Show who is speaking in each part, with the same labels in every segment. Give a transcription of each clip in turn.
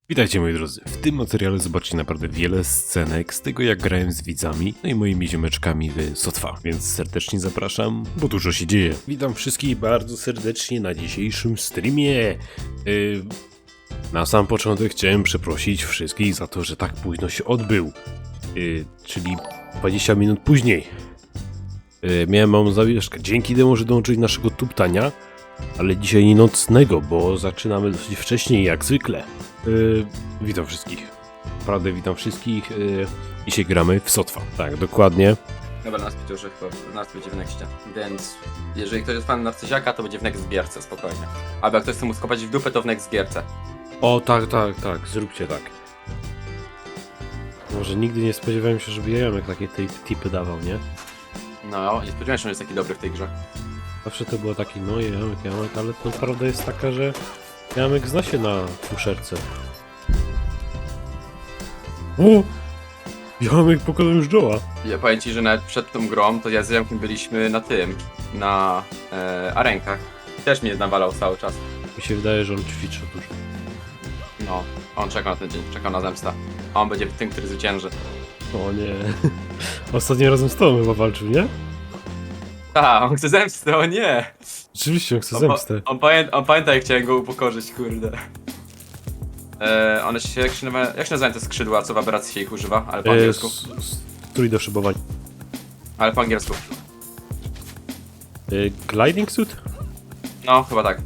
Speaker 1: Witajcie moi drodzy, w tym materiale zobaczycie naprawdę wiele scenek z tego jak grałem z widzami, no i moimi ziomeczkami w Sotwa, więc serdecznie zapraszam, bo dużo się dzieje. Witam wszystkich bardzo serdecznie na dzisiejszym streamie. Na sam początek chciałem przeprosić wszystkich za to, że tak późno się odbył, czyli 20 minut później. Miałem małą zawieszkę, dzięki temu, że dołączyli naszego tuptania, ale dzisiaj nie nocnego, bo zaczynamy dosyć wcześniej jak zwykle. Witam wszystkich. Naprawdę witam wszystkich. Dzisiaj gramy w Sotwa. Tak, dokładnie.
Speaker 2: Dobra, nas będzie już chyba, nas będzie w nexcie. Więc jeżeli ktoś jest fanem Narcyziaka, to będzie w next gierce, spokojnie. Albo jak ktoś chce mu skopać w dupę, to w next gierce.
Speaker 1: O, tak, zróbcie tak. Może nigdy nie spodziewałem się, żeby Jamek takie tipy dawał, nie?
Speaker 2: No, nie spodziewałem się, że jest taki dobry w tej grze.
Speaker 1: Zawsze to było taki, no Jamek, ale to prawda jest taka, że Jamek zna się na fuszerce. O! Jamek pokonał już Joe'a.
Speaker 2: Ja powiem ci, że nawet przed tą grą, to ja z Jamkiem byliśmy na tym, na arenkach. I też mnie nawalał cały czas.
Speaker 1: Mi się wydaje, że on ćwiczy dużo.
Speaker 2: No, on czekał na ten dzień, czekał na zemstę. A on będzie tym, który zwycięży.
Speaker 1: O nie. Ostatnim razem z tobą chyba walczył, nie?
Speaker 2: A, on chce zemsty, o nie!
Speaker 1: Rzeczywiście, on chce zemstę.
Speaker 2: On pamięta, jak chciałem go upokorzyć, kurde. One się, jak się nazywają te skrzydła, co w aberracji się ich używa, ale po angielsku.
Speaker 1: Strój do szybowania.
Speaker 2: Ale po angielsku.
Speaker 1: Gliding suit?
Speaker 2: No, chyba tak.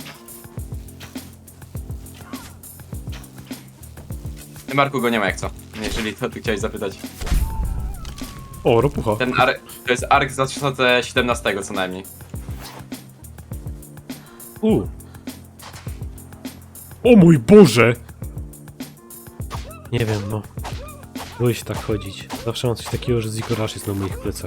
Speaker 2: Ty, Marku, go nie ma jak co, jeżeli to ty chciałeś zapytać.
Speaker 1: O, ropucha.
Speaker 2: Ten to jest ark z 2017 co najmniej.
Speaker 1: O mój Boże! Nie wiem, no. Boję się tak chodzić. Zawsze mam coś takiego, że Zikorasz jest na moich plecach.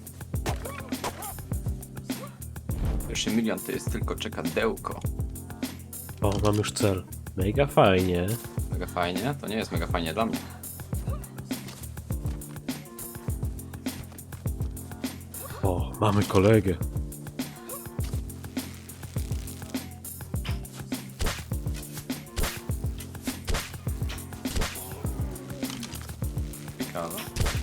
Speaker 2: Pierwszy milion to jest tylko czekadełko.
Speaker 1: O, mam już cel. Mega fajnie.
Speaker 2: Mega fajnie? To nie jest mega fajnie dla mnie.
Speaker 1: O, mamy kolegę.
Speaker 2: Ciekawe.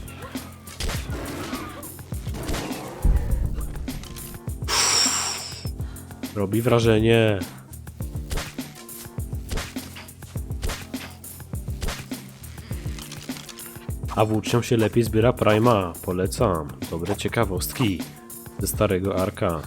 Speaker 1: Robi wrażenie. A włócznią się lepiej zbiera Prima. Polecam. Dobre ciekawostki ze starego Arka.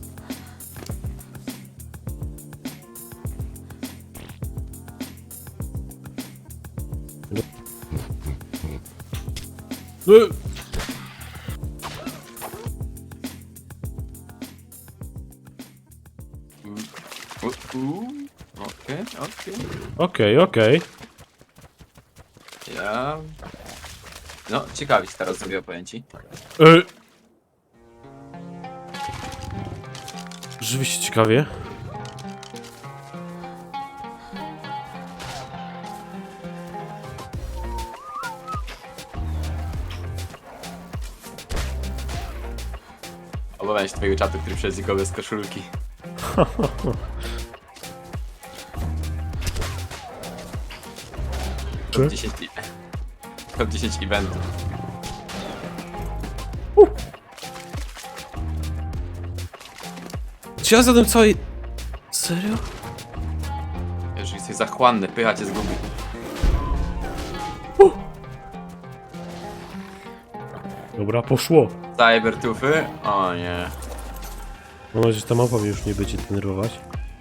Speaker 2: Okej.
Speaker 1: Okej.
Speaker 2: Ja... No, ciekawi się teraz zrobię opowiem.
Speaker 1: Rzeczywiście ciekawie.
Speaker 2: Obawiam się twojego czatu, który przejdzie go bez koszulki. Top 10 Top 10 eventów.
Speaker 1: Czy ja zadam całej... Serio?
Speaker 2: Jeżeli jesteś zachłanny, pycha cię zgubi.
Speaker 1: Dobra, poszło.
Speaker 2: Cybertufy? O nie.
Speaker 1: Mam nadzieję, że ta mapa mnie już nie będzie denerwować.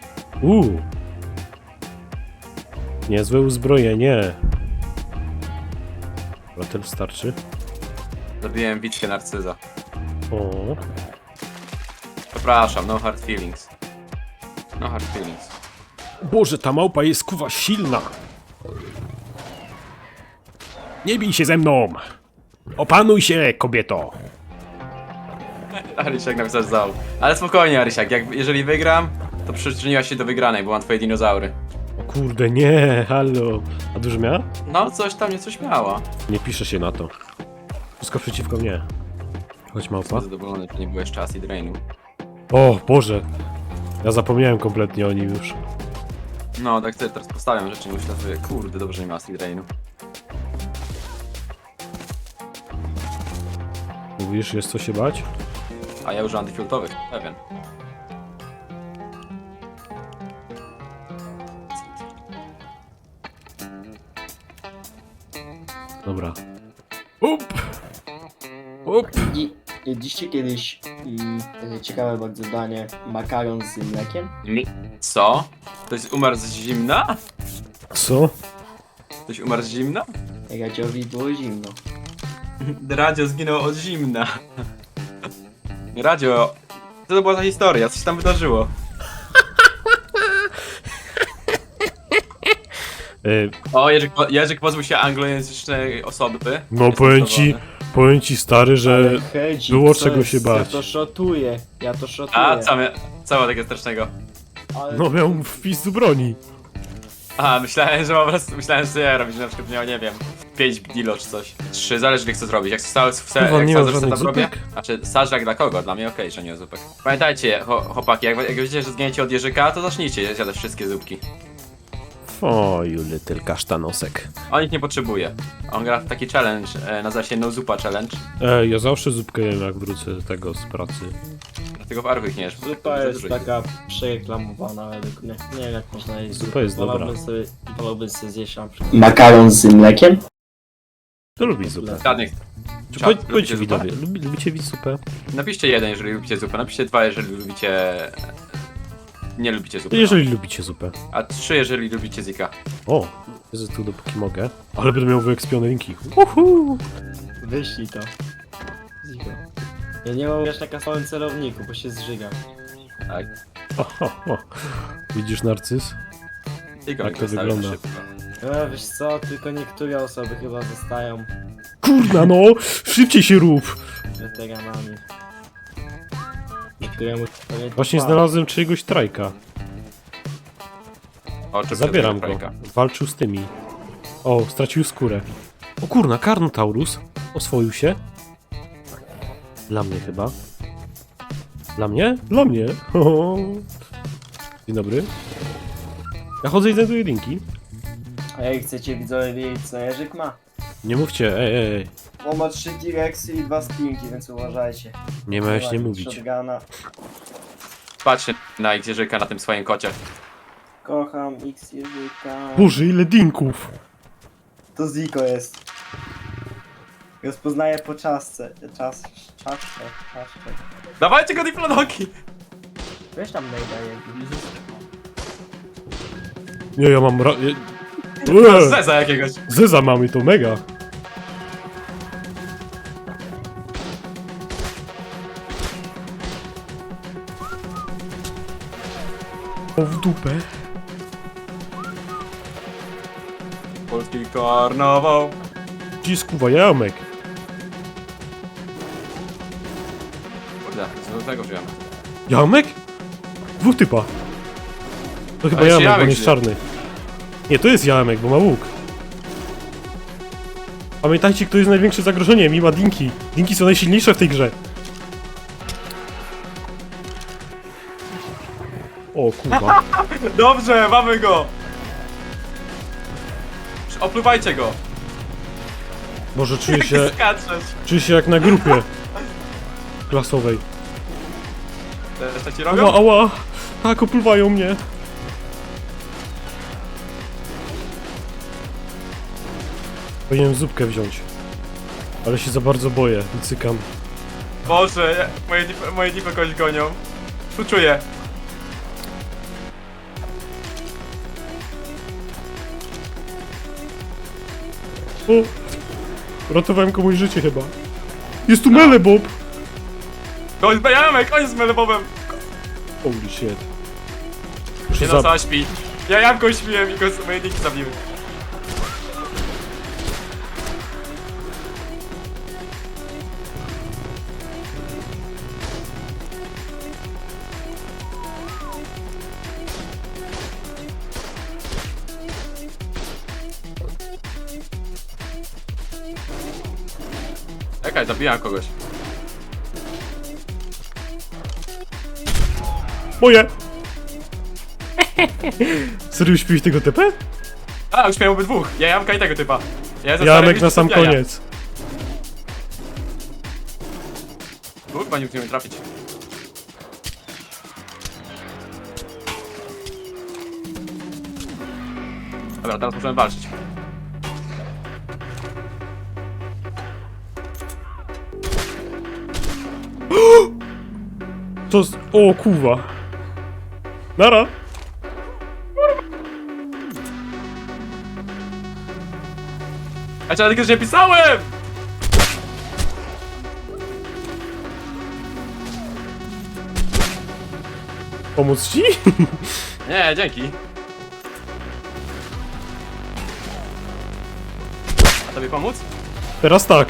Speaker 1: Niezłe uzbrojenie. Dobra, tyle starczy.
Speaker 2: Zabiłem Witkę Narcyza.
Speaker 1: O.
Speaker 2: Przepraszam, no hard feelings. No hard feelings.
Speaker 1: Boże, ta małpa jest kuwa silna. Nie bij się ze mną. Opanuj się, kobieto.
Speaker 2: Arysiak napisał zał. Ale spokojnie, Arysiak, jeżeli wygram, to przyczyniła się do wygranej, bo mam twoje dinozaury.
Speaker 1: O kurde, nie, halo. A dużo miała?
Speaker 2: No, coś tam, nie coś miała.
Speaker 1: Nie pisze się na to. Wszystko przeciwko mnie. Chodź, małpa.
Speaker 2: Jestem zadowolony, że nie było jeszcze acid rainu.
Speaker 1: O, Boże. Ja zapomniałem kompletnie o nim już.
Speaker 2: No, tak sobie teraz postawiam rzeczy, myślę sobie, kurde, dobrze nie ma Acid Rainu.
Speaker 1: Mówisz, jest co się bać?
Speaker 2: A ja używam defaultowych, pewien.
Speaker 1: Dobra. Up! Up!
Speaker 3: Jedliście kiedyś ciekawe bardzo danie makaron z mlekiem?
Speaker 2: Co? Ktoś umarł z zimna?
Speaker 1: Co?
Speaker 2: Ktoś umarł z zimna?
Speaker 3: Radziowi było zimno.
Speaker 2: Radio zginął od zimna. Radio, co to była za historia? Co się tam wydarzyło? O, Jerzyk pozbył się anglojęzycznej osoby.
Speaker 1: No
Speaker 2: Jestem
Speaker 1: powiem ci stary, że
Speaker 3: Ale Hedzik,
Speaker 1: było
Speaker 3: co
Speaker 1: czego
Speaker 3: jest?
Speaker 1: się bać.
Speaker 3: Ja to szotuję.
Speaker 2: A, co ma takiego strasznego?
Speaker 3: Ale
Speaker 1: No miał wpis do broni.
Speaker 2: Aha, myślałem, że po prostu, myślałem, że ja robić, że na przykład miał, nie wiem, 5 dilo czy coś. 3, zależy jak co zrobić. Jak
Speaker 1: Kurwa, nie ma żadnych
Speaker 2: setup robię,
Speaker 1: zupek?
Speaker 2: znaczy sażak dla kogo? Dla mnie okej, że nie zupek. Pamiętajcie, chłopaki, jak wiecie, że zginiecie od Jerzyka, to zacznijcie zjadać wszystkie zupki.
Speaker 1: O, you little kasztanosek.
Speaker 2: On ich nie potrzebuje. On gra w taki challenge, nazywa się No Zupa Challenge.
Speaker 1: Ja zawsze zupkę jem, jak wrócę tego z pracy.
Speaker 2: Dlatego w Archu ich nie jesz.
Speaker 3: zupa jest taka przereklamowana według mnie. Nie wiem jak można jeść
Speaker 1: Zupa
Speaker 3: zupę.
Speaker 1: jest dobra.
Speaker 3: Wolałbym sobie zjeść na przykład makaron z mlekiem?
Speaker 1: To lubi zupę.
Speaker 2: Żadnych.
Speaker 1: Czy
Speaker 2: Czad,
Speaker 1: powiedzcie
Speaker 2: lubicie
Speaker 1: widowie, lubicie zupę?
Speaker 2: Napiszcie 1, jeżeli lubicie zupę, napiszcie 2, jeżeli lubicie... Nie lubicie zupy.
Speaker 1: Jeżeli lubicie zupę.
Speaker 2: A 3, jeżeli lubicie Zika.
Speaker 1: O, jest tu dopóki mogę. Ale będę miał wyekspione linki. Uhu!
Speaker 3: Wyślij to. Ziko. Ja nie mam jeszcze na kasowym celowniku, bo się zżygam.
Speaker 2: Tak.
Speaker 1: O. Widzisz, Narcyz?
Speaker 2: Zika
Speaker 1: Jak to
Speaker 2: zostawię
Speaker 1: wygląda?
Speaker 2: szybko.
Speaker 3: Wiesz co, tylko niektóre osoby chyba zostają
Speaker 1: Kurna no! Szybciej się rób!
Speaker 3: weteranami. Niektóremu pewnie
Speaker 1: Właśnie
Speaker 3: trwa.
Speaker 1: znalazłem czyjegoś trajka.
Speaker 2: O, czy
Speaker 1: Zabieram go.
Speaker 2: Frajka.
Speaker 1: Walczył z tymi. O, stracił skórę. O kurna, Carnotaurus. Oswoił się. Dla mnie chyba. Dla mnie? Dla mnie. Dzień dobry. Ja chodzę i znajduję linki.
Speaker 3: A jak chcecie widzowie wiedzieć co Jerzyk ma?
Speaker 1: Nie mówcie, ej.
Speaker 3: On ma 3 T-Rexy i 2 Stinki, więc uważajcie.
Speaker 1: Nie miałeś nie mówić.
Speaker 3: Shotguna.
Speaker 2: Patrzcie na ich Jerzyka na tym swoim kocie.
Speaker 3: Kocham X Jerzyka.
Speaker 1: Boże, ile dinków.
Speaker 3: To Ziko jest. Rozpoznaję po czaszce. Czaszce.
Speaker 2: Dawajcie go diplodoki!
Speaker 3: Weź tam najda
Speaker 1: Nie, ja mam
Speaker 2: Zeza jakiegoś.
Speaker 1: Zeza mamy, to mega. O, w dupę.
Speaker 2: Polski karnawał.
Speaker 1: Gdzie skuwa jamek?
Speaker 2: Kurde, co do tego wziąłem.
Speaker 1: Jamek? Dwóch typa. To chyba
Speaker 2: Ale się
Speaker 1: jamek, bo
Speaker 2: jamek
Speaker 1: on jest
Speaker 2: żyje.
Speaker 1: czarny. Nie, to jest jamek, bo ma łuk. Pamiętajcie, kto jest największym zagrożeniem i ma dinki. Dinki są najsilniejsze w tej grze. O kurwa.
Speaker 2: Dobrze, mamy go! Opluwajcie go!
Speaker 1: Boże, czuję się jak na grupie klasowej.
Speaker 2: Też tak ci
Speaker 1: Ała,
Speaker 2: robią?
Speaker 1: ała! Tak, opływają mnie. Powinienem zupkę wziąć. Ale się za bardzo boję i cykam.
Speaker 2: Boże, moje dipy kogoś gonią. Czuję.
Speaker 1: O! Ratowałem komuś życie chyba. Jest tu Melebob!
Speaker 2: Koń z Jamek, koń z Melebowem!
Speaker 1: Holy shit.
Speaker 2: Nie
Speaker 1: Muszę
Speaker 2: no, co śpi. Ja jabłką śpiłem i go moje diki zabiły. Czekaj, zabijam kogoś.
Speaker 1: Moje! Serio śpiłeś tego TP?
Speaker 2: A, już miałem obydwóch. Ja Jamka i tego typa.
Speaker 1: Jamek na sam koniec.
Speaker 2: Kurwa, nie umiem trafić. Dobra, teraz możemy walczyć.
Speaker 1: To z... O kurwa. Nara.
Speaker 2: A czy ja tylko, że nie pisałem!
Speaker 1: Pomóc ci?
Speaker 2: Nie, dzięki. A tobie pomóc?
Speaker 1: Teraz tak.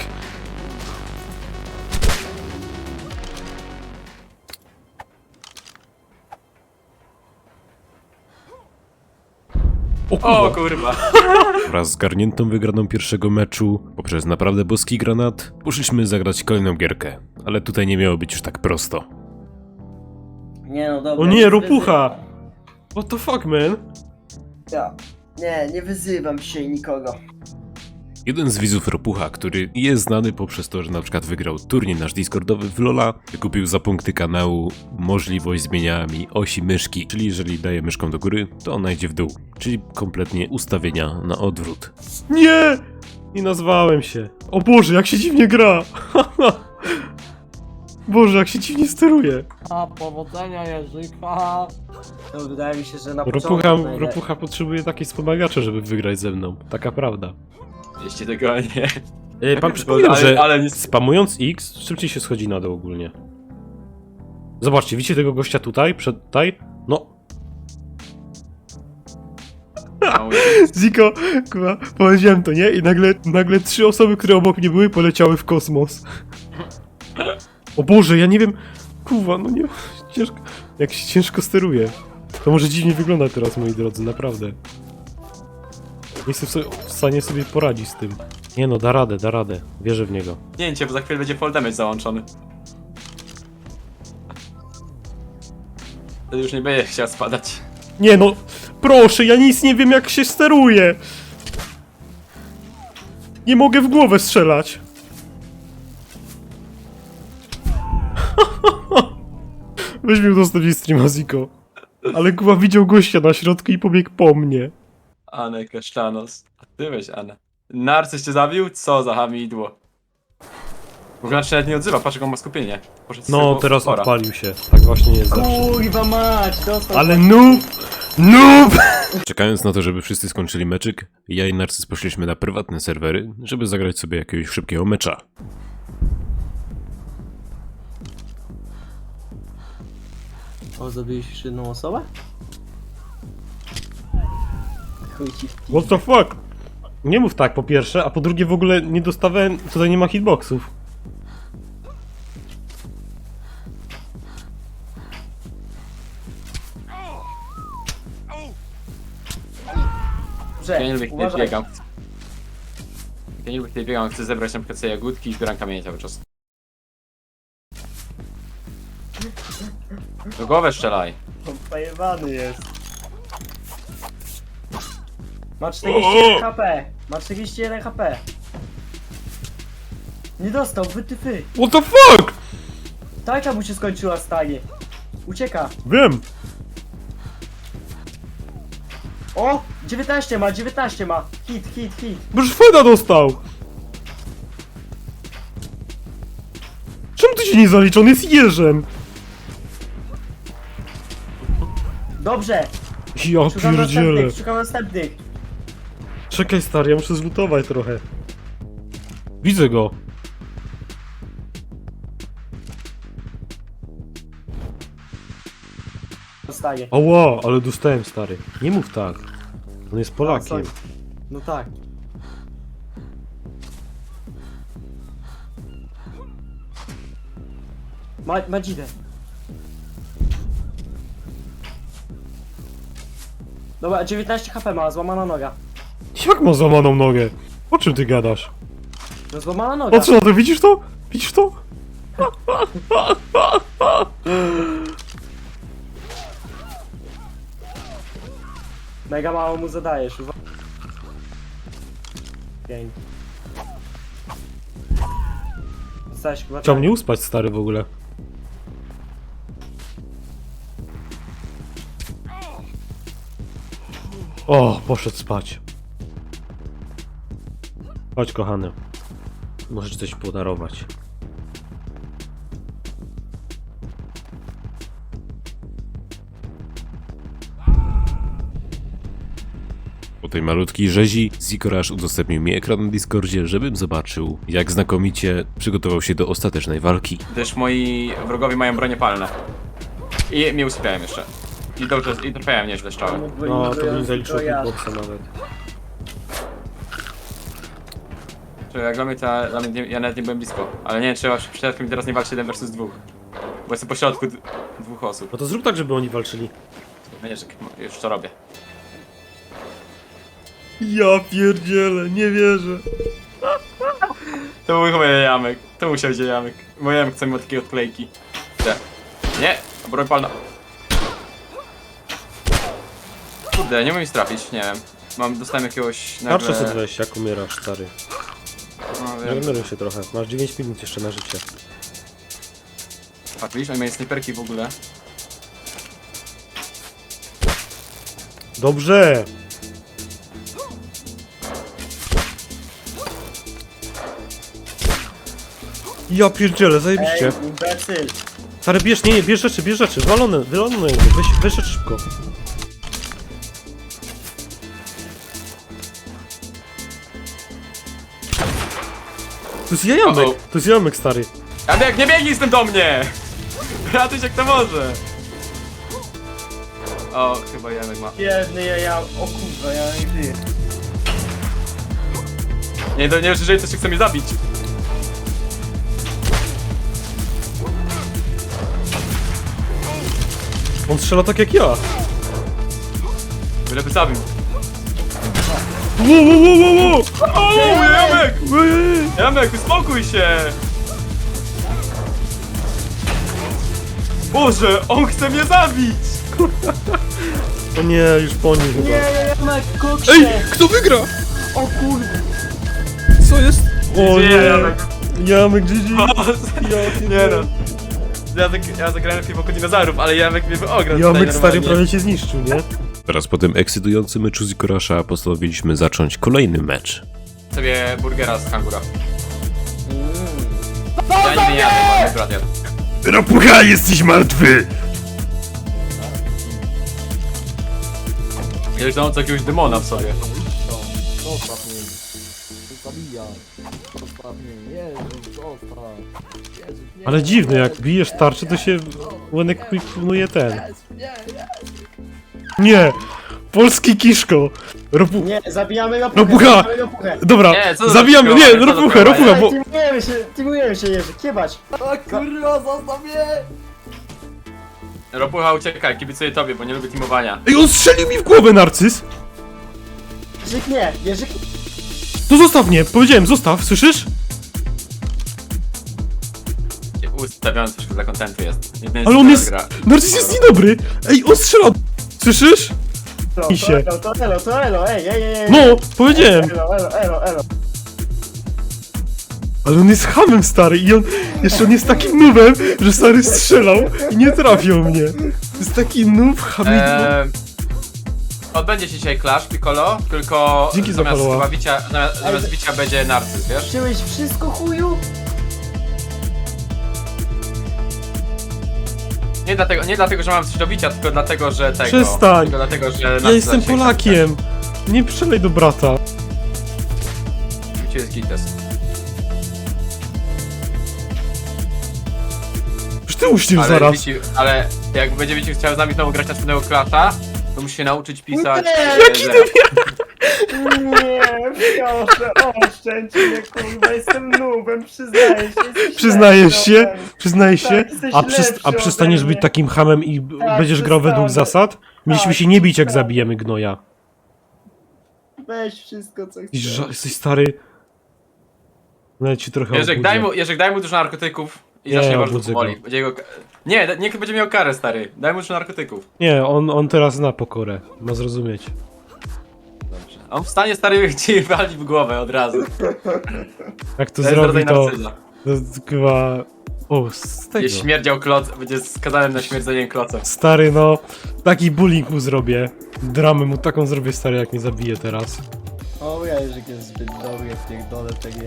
Speaker 1: O kurwa.
Speaker 2: O kurwa.
Speaker 1: Wraz z zgarniętą wygraną pierwszego meczu, poprzez naprawdę boski granat, poszliśmy zagrać kolejną gierkę. Ale tutaj nie miało być już tak prosto.
Speaker 3: Nie no dobra.
Speaker 1: O nie, ropucha! What the fuck, man?
Speaker 3: Ja. Nie wyzywam się nikogo.
Speaker 1: Jeden z widzów Ropucha, który jest znany poprzez to, że na przykład wygrał turniej nasz Discordowy w LoL'a, wykupił za punkty kanału możliwość zmieniania mi osi myszki, czyli jeżeli daję myszką do góry, to ona idzie w dół, czyli kompletnie ustawienia na odwrót. Nie! Nie nazwałem się. O Boże, jak się dziwnie gra! Boże, jak się dziwnie steruje.
Speaker 4: A powodzenia Jerzyka.
Speaker 3: No wydaje mi się, że na
Speaker 1: Ropucha potrzebuje takiej wspomagaczy, żeby wygrać ze mną. Taka prawda.
Speaker 2: Jeśli tego nie.
Speaker 1: Pan przypominał, że
Speaker 2: ale nie...
Speaker 1: spamując X, szybciej się schodzi na dół ogólnie. Zobaczcie, widzicie tego gościa tutaj? Tutaj? No. Ziko, kurwa, powiedziałem to, nie? I nagle 3 osoby, które obok mnie były, poleciały w kosmos. O Boże, ja nie wiem... Kurwa, no nie... Ciężko... Jak się ciężko steruje. To może dziwnie wygląda teraz, moi drodzy, naprawdę. Nie jestem w stanie sobie poradzić z tym. Nie no, da radę. Wierzę w niego.
Speaker 2: Zdjęcie, bo za chwilę będzie fall damage załączony. To już nie będzie chciał spadać.
Speaker 1: Nie no, proszę, ja nic nie wiem jak się steruje. Nie mogę w głowę strzelać. Weź mi udostępnij streama, Ziko. Ale Kuba widział gościa na środku i pobiegł po mnie.
Speaker 2: Anę Kasztanos. A ty weź Anę. Narcyz cię zabił? Co za hamidło. W ogóle nawet nie odzywa, patrz jak on ma skupienie. Poszedł z
Speaker 1: No,
Speaker 2: tego
Speaker 1: teraz
Speaker 2: fora.
Speaker 1: odpalił się. Tak właśnie jest zawsze.
Speaker 3: Kurwa mać, dostał.
Speaker 1: Ale noob! Czekając na to, żeby wszyscy skończyli meczyk, ja i Narcyz poszliśmy na prywatne serwery, żeby zagrać sobie jakiegoś szybkiego mecza.
Speaker 3: O, zabiłeś już jedną osobę? Chuj ci w pi-
Speaker 1: What the fuck? Nie mów tak po pierwsze, a po drugie w ogóle nie dostawałem, tutaj nie ma hitboxów.
Speaker 3: Dobrze,
Speaker 2: Ja nie lubię kiedy
Speaker 3: uważaj.
Speaker 2: biegam. Ja nie lubię kiedy biegam, chcę zebrać na przykład sobie jagódki i zbieram kamienie cały czas. Do głowę strzelaj.
Speaker 3: On pojebany jest. Ma 41 HP. Ma 41 HP. Nie dostał, wytyfy.
Speaker 1: What the fuck?
Speaker 3: Tajka mu się skończyła, stanie. Ucieka.
Speaker 1: Wiem.
Speaker 3: O! 19 ma. Hit.
Speaker 1: Boż Feda dostał. Czemu ty się nie zalicza? On jest jeżem.
Speaker 3: Dobrze.
Speaker 1: Ja
Speaker 3: Szukam
Speaker 1: pierdzielę.
Speaker 3: następnych.
Speaker 1: Czekaj stary, ja muszę zlutować trochę. Widzę go.
Speaker 3: Dostaje.
Speaker 1: Ała, ale dostałem stary. Nie mów tak. On jest Polakiem.
Speaker 3: sorry. No tak. Ma dzidę. Dobra, 19 HP ma, złamana noga.
Speaker 1: Jak ma złamaną nogę? O czym ty gadasz?
Speaker 3: No złamana noga.
Speaker 1: Patrz na to, widzisz to? Widzisz to?
Speaker 3: Mega mało mu zadajesz, uwaga. Pięknie. Dostałeś chyba
Speaker 1: Chciał mnie uspać, stary, w ogóle. O, poszedł spać. Chodź, kochany. Możesz coś podarować. Po tej malutkiej rzezi Zikorasz udostępnił mi ekran na Discordzie, żebym zobaczył, jak znakomicie przygotował się do ostatecznej walki.
Speaker 2: Gdyż moi wrogowie mają bronie palne. I mnie usypiałem jeszcze. I dobrze, i trafiałem nieźle strzały.
Speaker 1: No, to bym zaliczył hitboxa nawet.
Speaker 2: Czyli jak dla mnie, ja nawet nie byłem blisko. Ale nie wiem, czy przypadkiem teraz nie walczy 1 versus 2. Bo jestem po środku dwóch osób.
Speaker 1: No to zrób tak, żeby oni walczyli.
Speaker 2: No nie, że już to robię.
Speaker 1: Ja pierdzielę, nie wierzę.
Speaker 2: To był chyba jamek. To musiał być jamek. Bo jamek chce mi od takiej odklejki. Te. Nie! Broń palna. Kurde, nie umiem ich trafić, nie wiem. Dostałem jakiegoś nagle...
Speaker 1: Tarczę sobie weź, jak umierasz, stary.
Speaker 2: No, wiem.
Speaker 1: Regeneruj się trochę, masz 9 minut jeszcze na życie.
Speaker 2: Patrz, widzisz, oni mają snajperki w ogóle.
Speaker 1: Dobrze! Ja pierdzielę, zajebiście.
Speaker 3: Ej, imbecyl.
Speaker 1: Stary, bierz, nie, bierz rzeczy, wylone na niego, weź rzeczy szybko. To jest jamek,
Speaker 2: Uh-oh.
Speaker 1: to jest jamek, stary.
Speaker 2: Janek, nie biegnij z tym do mnie! Ratuj się kto może! O, chyba Janek ma.
Speaker 3: Biedny ja, o kurwa, ja nie żyję.
Speaker 2: Nie, jeżeli coś chce mnie zabić.
Speaker 1: On strzela tak jak ja.
Speaker 2: Byle by zabił.
Speaker 1: Wow.
Speaker 2: O, Janek! Janek, uspokój się! Boże, on chce mnie zabić!
Speaker 1: O nie, już po nim chyba.
Speaker 3: Jamek, koksie!
Speaker 1: Ej, kto wygra?
Speaker 3: O kurwa!
Speaker 1: Co jest? O
Speaker 2: Gdzie
Speaker 1: nie,
Speaker 2: Janek?
Speaker 1: Jamek GG.
Speaker 2: Nie no. Ja zagrałem w wokół dinozaurów, ale Jamek mnie ograł.
Speaker 1: Jamek stary prawie cię zniszczył, nie? Teraz po tym ekscytującym meczu Zikorasza postanowiliśmy zacząć kolejny mecz.
Speaker 2: Sobie burgera z kangura. Ja nigdy nie jadę, bo mój brat jadł.
Speaker 1: Rapucha, jesteś martwy!
Speaker 2: Jeśli to jakiegoś demona w sobie.
Speaker 4: Zostaw mnie. Zabijaj. Zostaw mnie. Jezus, zostaw. Jezus, nie.
Speaker 1: Ale dziwne, jak bijesz tarczę, to się łynek pilnuje ten. Nie! Polski kiszko!
Speaker 3: Nie, zabijamy go
Speaker 1: Ropucha! Dobra,
Speaker 2: Nie, co za
Speaker 1: zabijamy,
Speaker 2: kiszko?
Speaker 1: nie,
Speaker 2: Co za
Speaker 1: ropucha,
Speaker 2: kiszko?
Speaker 1: ropucha, bo...
Speaker 3: Teamujemy się, Jerzy, kiebać!
Speaker 4: A kurwa, zostaw mnie.
Speaker 2: Ropucha, uciekaj, kibicuję tobie, bo nie lubię teamowania.
Speaker 1: Ej, on strzelił mi w głowę, Narcyz!
Speaker 3: Jerzyk nie, Jerzyk...
Speaker 1: To zostaw mnie, powiedziałem, zostaw, słyszysz?
Speaker 2: Ustawiony troszkę dla kontentu jest. Jedyny
Speaker 1: Ale on
Speaker 2: z
Speaker 1: jest...
Speaker 2: gra.
Speaker 1: Narcyz jest niedobry! Ej, on strzela... Słyszysz? I się.
Speaker 3: To elo, ej.
Speaker 1: No, powiedziałem!
Speaker 3: Elo.
Speaker 1: Ale on jest hamem, stary, i on... Jeszcze on jest takim noobem, że stary strzelał i nie trafił mnie. To jest taki noob, hamidło.
Speaker 2: Odbędzie się dzisiaj Clash Piccolo, tylko
Speaker 1: Dzięki za
Speaker 2: zamiast
Speaker 1: followa.
Speaker 2: chyba bicia, zamiast bicia będzie Narcyz, wiesz?
Speaker 3: Wziąłeś wszystko, chuju?
Speaker 2: Nie dlatego, że mam coś do bicia, tylko dlatego, że tego.
Speaker 1: Przestań.
Speaker 2: Tylko dlatego, że
Speaker 1: Ja
Speaker 2: Narcyz
Speaker 1: jestem
Speaker 2: dzisiaj
Speaker 1: Polakiem! Nie przelej do brata.
Speaker 2: chce. Bicie jest gites.
Speaker 1: Już ty uśnił zaraz.
Speaker 2: Ale jak będzie Wiciu chciał z nami znowu grać następnego Clasha, to musi się nauczyć pisać...
Speaker 3: Nie,
Speaker 1: jaki
Speaker 2: że-
Speaker 3: Nie, proszę, oszczędź mnie, kurwa, jestem noobem, przyznaję się. jesteś
Speaker 1: Przyznajesz
Speaker 3: lepszy
Speaker 1: się?
Speaker 3: ode mnie.
Speaker 1: Przyznajesz się?
Speaker 3: Tak, jesteś
Speaker 1: A,
Speaker 3: lepszy
Speaker 1: a przestaniesz
Speaker 3: ode
Speaker 1: być
Speaker 3: mnie.
Speaker 1: takim hamem i będziesz grał według
Speaker 3: przestanę.
Speaker 1: zasad? Mieliśmy
Speaker 3: Tak,
Speaker 1: się nie bić, jak
Speaker 3: przestanę.
Speaker 1: zabijemy gnoja.
Speaker 3: Weź wszystko, co
Speaker 1: Jesteś,
Speaker 3: chcesz.
Speaker 1: jesteś stary... Nawet ci trochę
Speaker 2: Jerzyk, daj mu dużo narkotyków i
Speaker 1: Nie,
Speaker 2: zacznie bardzo
Speaker 1: obudzę
Speaker 2: powoli.
Speaker 1: go.
Speaker 2: Będzie go... Nie, niech będzie miał karę, stary. Daj mu dużo narkotyków.
Speaker 1: Nie, on teraz zna pokorę. Ma zrozumieć.
Speaker 2: On wstanie stary ci wali w głowę od razu.
Speaker 1: Jak to
Speaker 2: jest
Speaker 1: zrobi,
Speaker 2: rodzaj
Speaker 1: to
Speaker 2: narcyza.
Speaker 1: chyba... O, z tego.
Speaker 2: Jest śmierdział kloc, będzie skazany na śmierdzenie klocem.
Speaker 1: Stary, no, taki bullying mu zrobię. Dramę mu taką zrobię, stary, jak mnie zabije teraz.
Speaker 3: O, Jerzyk jest zbyt dobry, ja pierdolę TG.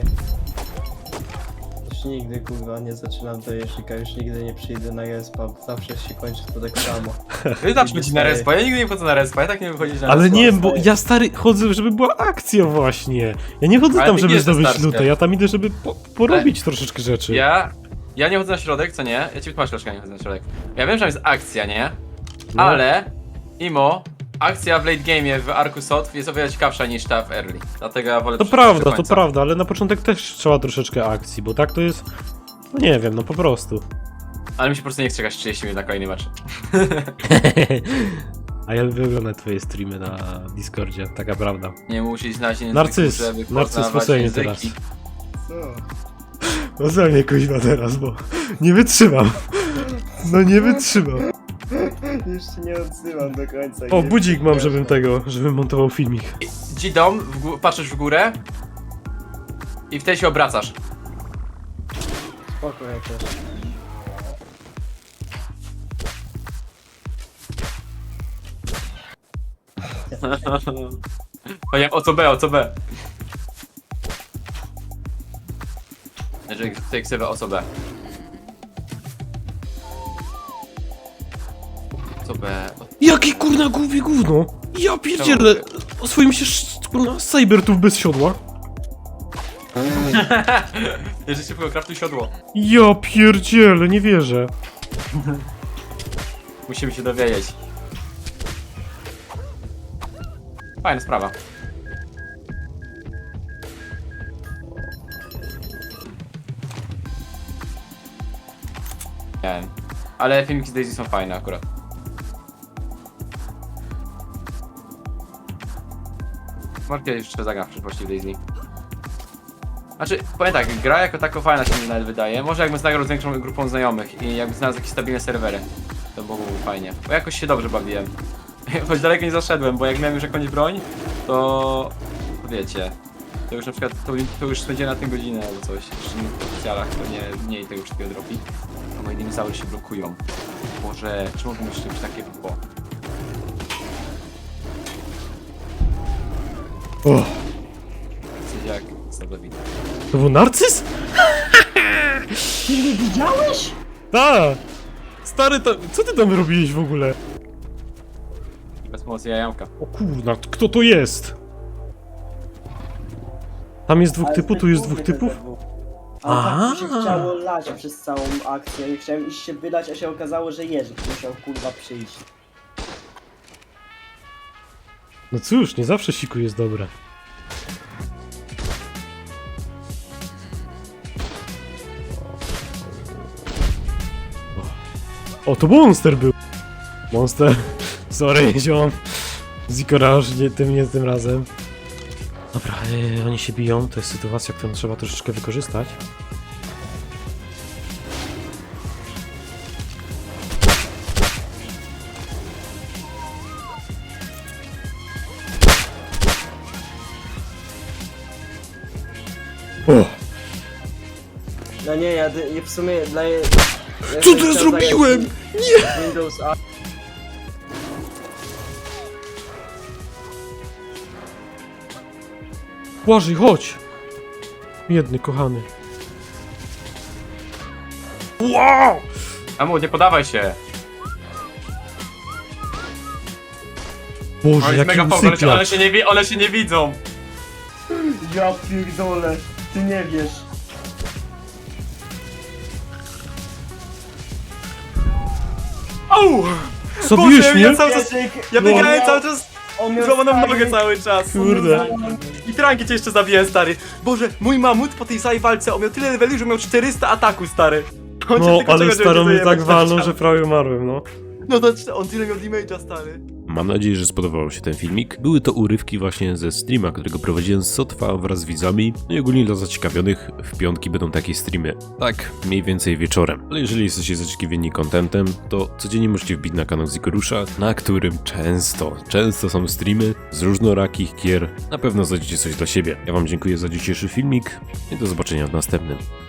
Speaker 3: Już nigdy kurwa nie zaczynam do Jerzyka, już nigdy nie przyjdę na respa, bo zawsze się kończy to tak samo.
Speaker 2: Ty zawsze chodzi na respa, ja nigdy nie wchodzę na respa, ja tak nie wychodzisz na
Speaker 1: Ale
Speaker 2: respa.
Speaker 1: nie, bo ja stary chodzę, żeby była akcja właśnie. Ja nie chodzę
Speaker 2: Ale
Speaker 1: tam,
Speaker 2: ty
Speaker 1: żeby
Speaker 2: wiesz, że
Speaker 1: zdobyć
Speaker 2: starskie.
Speaker 1: lutę, ja tam idę, żeby porobić troszeczkę rzeczy.
Speaker 2: Ja nie chodzę na środek, co nie? Ja ci wytłumaczę, dlaczego nie chodzę na środek. Ja wiem, że tam jest akcja, nie?
Speaker 1: No.
Speaker 2: Ale, akcja w late game'ie w Arku Sotw jest o wiele ciekawsza niż ta w early. Dlatego ja wolę
Speaker 1: To
Speaker 2: przeczytać do
Speaker 1: prawda,
Speaker 2: końca.
Speaker 1: ale na początek też trzeba troszeczkę akcji, bo tak to jest... No nie wiem, no po prostu.
Speaker 2: Ale mi się po prostu nie chce czekać 30 minut na kolejny mecz.
Speaker 1: A ja lubię oglądać twoje streamy na Discordzie, taka prawda.
Speaker 2: Nie musisz znać języków,
Speaker 1: Narcyz,
Speaker 2: żeby
Speaker 1: narcyz
Speaker 2: poznawać
Speaker 1: posejmie
Speaker 2: języki.
Speaker 1: teraz.
Speaker 3: Co?
Speaker 1: No ze mnie kuźwa teraz, bo nie wytrzymam. No nie wytrzymam.
Speaker 3: Już się nie odzywam do końca.
Speaker 1: O,
Speaker 3: nie
Speaker 1: budzik mam,
Speaker 3: przepraszam.
Speaker 1: żebym montował filmik.
Speaker 2: Dzidom, patrzysz w górę i wtedy się obracasz.
Speaker 3: Spoko, ja też.
Speaker 2: Powiedziałem o co B, o co B. Jeżeli tutaj ksywę o co B. Co B?
Speaker 1: Jaki kurna głowie gówno! Ja pierdzielę! Oswoim się kurna cybertów bez siodła.
Speaker 2: Jeżeli szybko kraftuj siodło.
Speaker 1: Ja pierdzielę, nie wierzę.
Speaker 2: Musimy się dowiedzieć. Fajna sprawa. Nie wiem. Ale filmiki z Daisy są fajne akurat. Może kiedyś jeszcze zagram w przyszłości w Daisy. Znaczy, powiem tak, gra jako tako fajna się mi nawet wydaje. Może jakbym zagrał z większą grupą znajomych i jakbym znalazł jakieś stabilne serwery. To byłoby fajnie. Bo jakoś się dobrze bawiłem. Choć daleko nie zaszedłem, bo jak miałem już jakąś broń, to wiecie. To już na przykład, to już spędziłem na tym godzinę albo coś. Jeszcze w oficjalach to nie mniej tego wszystkiego dropi. A moje dinozaury się blokują. Boże, czy mogą być czymś takiego? Bo...
Speaker 1: O,
Speaker 2: Coś jak Sadowita.
Speaker 1: to był narcyz?
Speaker 3: Ty nie widziałeś?
Speaker 1: Tak! Stary, co ty tam robiłeś w ogóle?
Speaker 2: Bez mocy jajamka.
Speaker 1: O kurna, kto to jest? Tam jest dwóch typów, tu jest dwóch typów?
Speaker 5: A tak mi się
Speaker 1: Aha.
Speaker 5: chciało lać przez całą akcję i chciałem iść się wylać, a się okazało, że Jerzyk musiał kurwa przyjść.
Speaker 1: No cóż, nie zawsze siku jest dobre. O, to Monster był! Monster, sorry, ziom. Zikoraż, nie tym razem. Dobra, oni się biją, to jest sytuacja, którą trzeba troszeczkę wykorzystać. O!
Speaker 5: No nie, ja w sumie dla...
Speaker 1: Co to ja zrobiłem?
Speaker 5: Nie! Windows A...
Speaker 1: Błażej, chodź! Biedny, kochany. Wow!
Speaker 2: Amu, nie podawaj się!
Speaker 1: Boże,
Speaker 2: On jest
Speaker 1: jaki
Speaker 2: mega power,
Speaker 1: usypiacz.
Speaker 2: one się nie widzą!
Speaker 3: Ja pierdolę, ty nie wiesz.
Speaker 2: Au!
Speaker 1: Zabiłeś mnie?
Speaker 2: ja cały czas,
Speaker 3: Jerzyk,
Speaker 2: ja
Speaker 3: no,
Speaker 2: biegałem
Speaker 3: miał-
Speaker 2: cały czas
Speaker 3: on miał
Speaker 2: złamaną
Speaker 3: stary-
Speaker 2: nogę cały czas.
Speaker 1: Kurde.
Speaker 2: I tranki cię jeszcze zabiłem, stary. Boże, mój mamut po tej całej walce, on miał tyle leveli, że miał 400 ataku, stary. On cię
Speaker 1: No,
Speaker 2: tylko
Speaker 1: ale
Speaker 2: czeka, żeby
Speaker 1: starą
Speaker 2: cię
Speaker 1: mnie
Speaker 2: zajebać
Speaker 1: tak
Speaker 2: na
Speaker 1: walnął,
Speaker 2: ścianę.
Speaker 1: że prawie umarłem, no.
Speaker 2: No to on tyle miał damage'a, stary.
Speaker 1: Mam nadzieję, że spodobał się ten filmik. Były to urywki właśnie ze streama, którego prowadziłem z Sotwa wraz z widzami. No i ogólnie dla zaciekawionych w piątki będą takie streamy. Tak, mniej więcej wieczorem. Ale jeżeli jesteście zaciekawieni contentem, to codziennie możecie wbić na kanał Zikorusza, na którym często są streamy z różnorakich gier. Na pewno znajdziecie coś dla siebie. Ja wam dziękuję za dzisiejszy filmik i do zobaczenia w następnym.